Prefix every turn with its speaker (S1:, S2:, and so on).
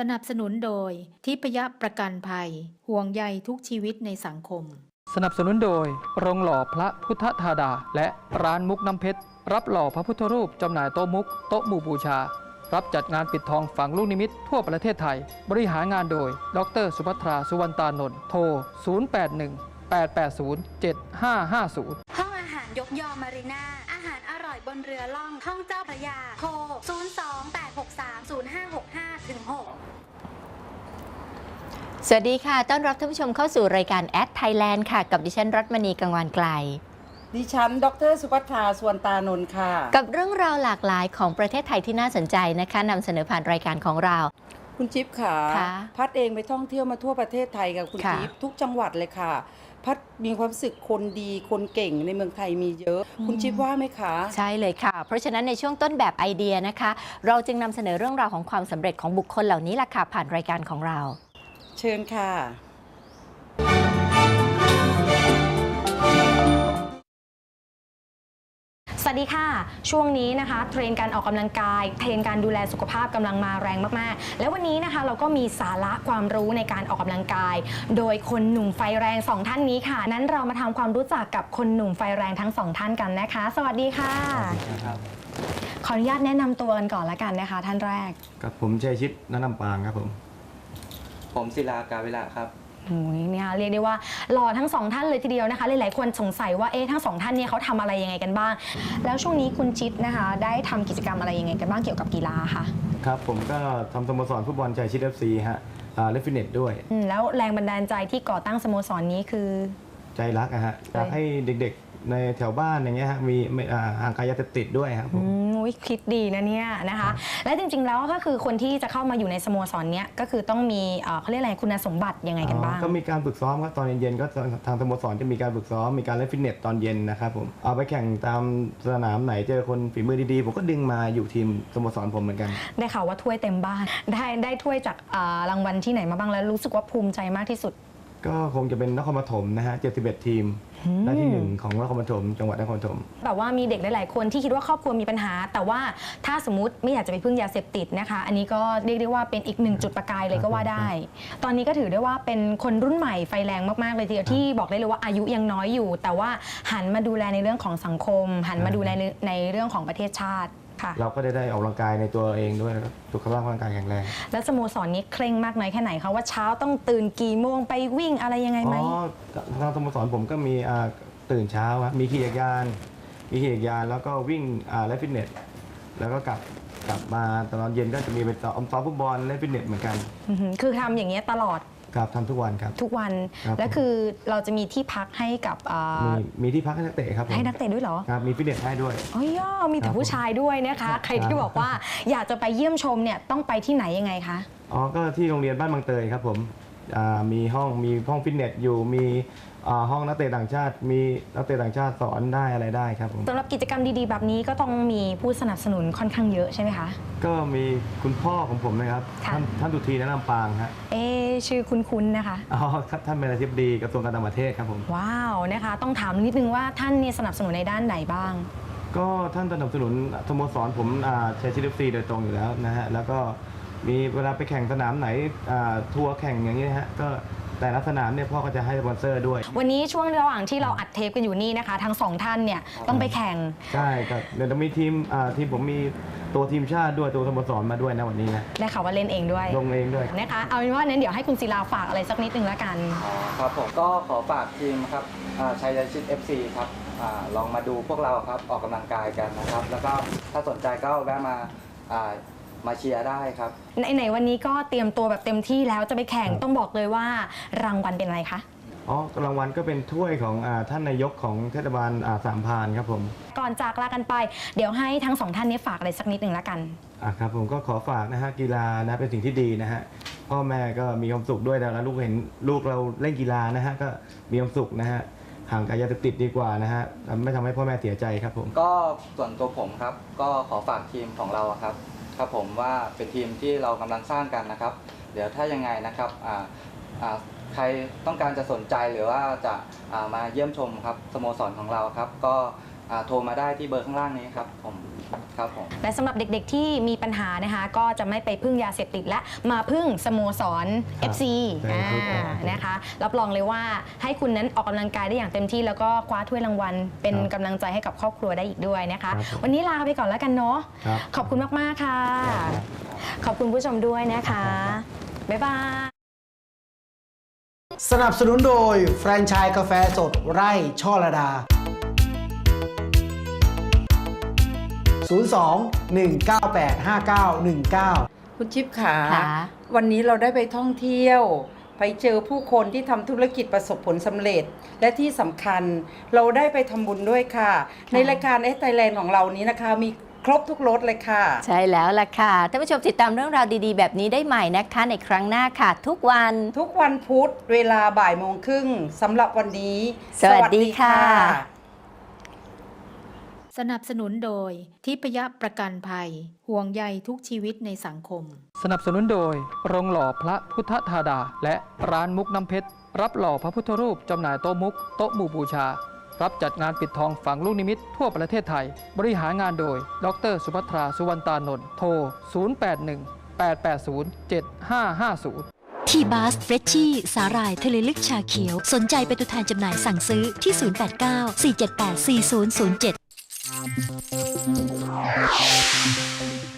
S1: นับสนุนโดยทิพยประกันภัยห่วงใยทุกชีวิตในสังคม
S2: สนับสนุนโดยโรงหล่อพระพุทธธาดาและร้านมุกน้ำเพชรรับหล่อพระพุทธรูปจำหน่ายโต๊ะมุกโต๊ะหมู่บูชารับจัดงานปิดทองฝังลูกนิมิตทั่วประเทศไทยบริหารงานโดยดร.สุภัทราสุวรรณตานนท์โทร 0818807550
S3: ห้องอาหารยกยอมารีนาอาหารอร่อยบนเรือล่องห้องเจ้าพระยาโทร 028630565-6
S4: สวัสดีค่ะต้อนรับท่านผู้ชมเข้าสู่รายการแอดไทยแลนด์ค่ะกับดิฉันรัตมณีกังวานไกล
S5: ดิฉันดร.สุภัทราสุวรรณตานนท์ค่ะ
S4: กับเรื่องราวหลากหลายของประเทศไทยที่น่าสนใจนะคะนำเสนอผ่านรายการของเรา
S5: คุณจิ๊บค่ะพัดเองไปท่องเที่ยวมาทั่วประเทศไทยกับคุณจิ๊บทุกจังหวัดเลยค่ะพัดมีความรู้สึกคนดีคนเก่งในเมืองไทยมีเยอะคุณจิ๊บว่าไหมคะ
S4: ใช่เลยค่ะเพราะฉะนั้นในช่วงต้นแบบไอเดียนะคะเราจึงนำเสนอเรื่องราวของความสำเร็จของบุคคลเหล่านี้ล่ะค่ะผ่านรายการของเรา
S5: เชิญค่ะ
S6: สวัสดีค่ะช่วงนี้นะคะเทรนด์การออกกำลังกายเทรนด์การดูแลสุขภาพกำลังมาแรงมากๆแล้ววันนี้นะคะเราก็มีสาระความรู้ในการออกกำลังกายโดยคนหนุ่มไฟแรง2ท่านนี้ค่ะนั้นเรามาทำความรู้จักกับคนหนุ่มไฟแรงทั้ง2ท่านกันนะคะสวัสดีค่ะขออนุญาตแนะนำตัวกันก่อนละกันนะคะท่านแรก
S7: กับผมชัยชิดณลำปางครับผม
S8: ศิลากาเวลาครับ
S6: เนี่ยเรียกได้ว่าหล่อทั้ง2ท่านเลยทีเดียวนะคะหลายๆคนสงสัยว่าทั้ง2ท่านเนี่ยเขาทำอะไรยังไงกันบ้างแล้วช่วงนี้คุณชิดนะคะได้ทำกิจกรรมอะไรยังไงกันบ้างเกี่ยวกับกีฬาค่ะ
S7: ครับผมก็ทำสโมสรฟุตบอลชัยชิด FC ฮะเล่นฟิตเนสด้วย
S6: แล้วแรงบันดาลใจที่ก่อตั้งสโมสรนี้คือ
S7: ใจรักฮะอยากให้เด็กๆในแถวบ้านอย่างเงี้ยฮะมีห่างไกลยาเสพติดด้วยครับผม
S6: คิดดีนะเนี่ยนะคะและจริงๆแล้วก็คือคนที่จะเข้ามาอยู่ในสโมสรเนี้ยก็คือต้องมีเขาเรียกอะไรคุณสมบัติยังไงกันบ้าง
S7: ก็มีการฝึกซ้อมครับตอนเย็นๆก็ทางสโมสรจะมีการฝึกซ้อมมีการเล่นฟิตเนสตอนเย็นนะครับผมเอาไปแข่งตามสนามไหนเจอคนฝีมือดีๆผมก็ดึงมาอยู่ทีมสโมสรผมเหมือนกัน
S6: ได้ข่าวว่าถ้วยเต็มบ้านได้ถ้วยจากรางวัลที่ไหนมาบ้างแล้วรู้สึกว่าภูมิใจมากที่สุด
S7: ก็คงจะเป็นนครปฐมนะฮะ71ทีมได้ที่1ของนครปฐมจังหวัดนครปฐม
S6: แบบว่ามีเด็กหลายๆคนที่คิดว่าครอบครัวมีปัญหาแต่ว่าถ้าสมมติไม่อยากจะไปพึ่งยาเสพติดนะคะอันนี้ก็เรียกได้ว่าเป็นอีก1จุดประกายเลยก็ว่าได้ตอนนี้ก็ถือได้ว่าเป็นคนรุ่นใหม่ไฟแรงมากๆเลยทีเดียวที่บอกได้เลยว่าอายุยังน้อยอยู่แต่ว่าหันมาดูแลในเรื่องของสังคมหันมาดูแลในเรื่องของประเทศชาติ
S7: เราก็ได้ออกกำลังกายในตัวเองด้วยสุขภาพร่างกายแข็งแรง
S6: แล้วสโมสรนี้เคร่งมากน้อยแค่ไหนคะว่าเช้าต้องตื่นกี่โมงไปวิ่งอะไรยังไงไหม
S7: ทางสโมสรผมก็มีตื่นเช้าครับมีขี่จักรยานแล้วก็วิ่งเล่นฟิตเนสแล้วก็กลับมาตอนเย็นก็จะมีไปซ้อมฟุตบอลเล่นฟิตเนสเหมือนกัน
S6: คือทำอย่างเงี้ยตลอด
S7: ครับทำทุกวันครับ
S6: ทุกวันแล้วคือเราจะมีที่พักให้กับ
S7: มีที่พักให้นักเตะครับ
S6: ให้นักเตะด้วยเหรอ
S7: ครับมีฟิตเนสให้ด้วย
S6: อ๋อย่อมีแต่ผู้ชายด้วยนะคะใครที่บอกว่าอยากจะไปเยี่ยมชมเนี่ยต้องไปที่ไหนยังไงคะ
S7: ก็ที่โรงเรียนบ้านบางเตยครับผมมีห้องฟิตเนสอยู่มีห้องนักเตะต่างชาติมีนักเตะต่างชาติสอนได้อะไรได้ครับผม
S6: สำหรับกิจกรรมดีๆแบบนี้ก็ต้องมีผู้สนับสนุนค่อนข้างเยอะใช่ไหมคะ
S7: ก็มีคุณพ่อของผมนะครับท่านดุทีณลำปางฮะ
S6: ชื่อคุ้นๆนะคะ
S7: ครับท่านเป็นอธิบดีกระทรวงการต่างประเทศครับผม
S6: ว้าวนะคะต้องถามนิดนึงว่าท่านเนี่ยสนับสนุนในด้านไหนบ้าง
S7: ก็ท่านสนับสนุนสโมสรผมชัยชิด FC โดยตรงอยู่แล้วนะฮะแล้วก็มีเวลาไปแข่งสนามไหนทัวร์แข่งอย่างนี้นะฮะก็แต่ละสนามเนี่ยพ่อก็จะให้สปอนเซอร์ด้วย
S6: วันนี้ช่วงระหว่างที่เราอัดเทปกันอยู่นี่นะคะทั้ง2ท่านเนี่ยต้องไปแข่ง
S7: ใช่ครับเดี๋ยวจะมีทีมผมมีตัวทีมชาติด้วยตัวสโมสรมาด้วยนะวันนี้นะ
S6: ได้ข่าวว่าเล่นเองด้วย
S7: ลงเองด้วย
S6: นะคะเอาเป็นว่านั้นเดี๋ยวให้คุณศิลาฝากอะไรสักนิดนึงแล้วกัน
S8: ครับผมก็ขอฝากทีมครับชัยชิด FC ครับลองมาดูพวกเราครับออกกำลังกายกันนะครับแล้วก็ถ้าสนใจก็แวะมาเชียร์ได้ครับ
S6: ในวันนี้ก็เตรียมตัวแบบเต็มที่แล้วจะไปแข่งต้องบอกเลยว่ารางวัลเป็นอะไรคะ
S7: รางวัลก็เป็นถ้วยของท่านนายกของเทศบาลสามพรานครับผม
S6: ก่อนจากลากันไปเดี๋ยวให้ทั้ง2ท่านนี้ฝากอะไรสักนิดหนึ่งแล้วกัน
S7: ครับผมก็ขอฝากนะฮะกีฬานะเป็นสิ่งที่ดีนะฮะพ่อแม่ก็มีความสุขด้วยแล้วลูกเห็นลูกเราเล่นกีฬานะฮะก็มีความสุขนะฮะห่างไกลยาเสพติดดีกว่านะฮะไม่ทำให้พ่อแม่เสียใจครับผม
S8: ก็ส่วนตัวผมครับก็ขอฝากทีมของเราครับผมว่าเป็นทีมที่เรากำลังสร้างกันนะครับเดี๋ยวถ้ายังไงนะครับใครต้องการจะสนใจหรือว่าจะมาเยี่ยมชมครับสโมสรของเราครับก็โทรมาได้ที่เบอร์ข้างล่างนี้ครับผม
S6: และสำหรับเด็กๆที่มีปัญหานะคะก็จะไม่ไปพึ่งยาเสพติดและมาพึ่งสโมสร FC นะคะรับรองเลยว่าให้คุณนั้นออกกำลังกายได้อย่างเต็มที่แล้วก็คว้าถ้วยรางวัลเป็นกำลังใจให้กับครอบครัวได้อีกด้วยนะคะวันนี้ลาไปก่อนแล้วกันเนาะขอบคุณมากๆค่ะขอบคุณผู้ชมด้วยนะคะบ๊ายบาย
S9: สนับสนุนโดยแฟรนไชส์กาแฟสดไร่ช่อระดา 02-198-5919
S5: คุณจิ๊บขา
S4: ค่ะ
S5: วันนี้เราได้ไปท่องเที่ยว ไปเจอผู้คนที่ทำธุรกิจประสบผลสำเร็จ และที่สำคัญเราได้ไปทำบุญด้วยค่ะ ในรายการไทยแลนด์ของเรานี้นะคะมีครบทุกรสเลยค่ะ
S4: ใช่แล้วล่ะค่ะท่านผู้ชมติดตามเรื่องราวดีๆแบบนี้ได้ใหม่นะคะในครั้งหน้าค่ะทุกวัน
S5: พุธเวลาบ่ายโมงครึ่งสำหรับวันนี้
S4: สวัสดีค่ะ
S1: สนับสนุนโดยทิพยประกันภัยห่วงใยทุกชีวิตในสังคม
S2: สนับสนุนโดยโรงหล่อพระพุทธธาดา และร้านมุกน้ำเพชรรับหล่อพระพุทธรูปจำหน่ายโต๊ะมุกโต๊ะหมู่บูชารับจัดงานปิดทองฝังลูกนิมิตทั่วประเทศไทยบริหารงานโดยดร.สุภัทราสุวรรณตานนท์โทร 0818807550
S10: ทีบาสเฟรชชี่สาหร่ายทะเลลึกชาเขียวสนใจเป็นตัวแทนจำหน่ายสั่งซื้อที่ 089 478 4007